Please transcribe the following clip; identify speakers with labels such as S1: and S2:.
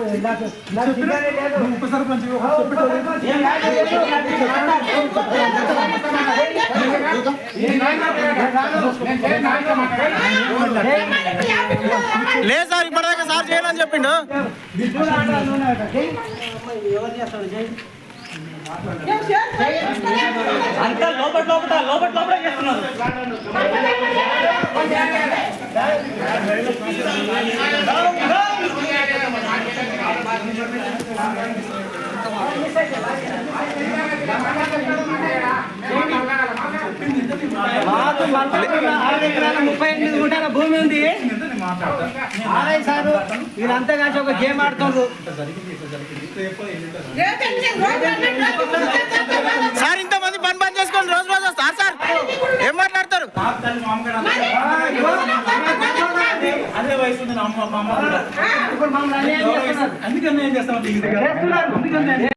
S1: ఉప సర్పంచ్
S2: లేదు సార్ ఇప్పటిదాకా సార్ చేయాలని చెప్పిండు.
S3: అంతా లోపల చేస్తున్నారు.
S4: మాకు 38 గుంటల భూమి ఉంది. ఆర్ఐ సారు వీళ్ళంతా కలిసి ఒక గేమ్ ఆడుతున్నారు.
S2: సార్ ఇంతమంది పని చేసుకొని రోజు రోజు వస్తారు సార్ ఏం మాట్లాడతారు?
S1: అదే వయసు ఉంది.
S4: ఇప్పుడు మమ్మల్ని
S1: అందుకని ఏం చేస్తాం?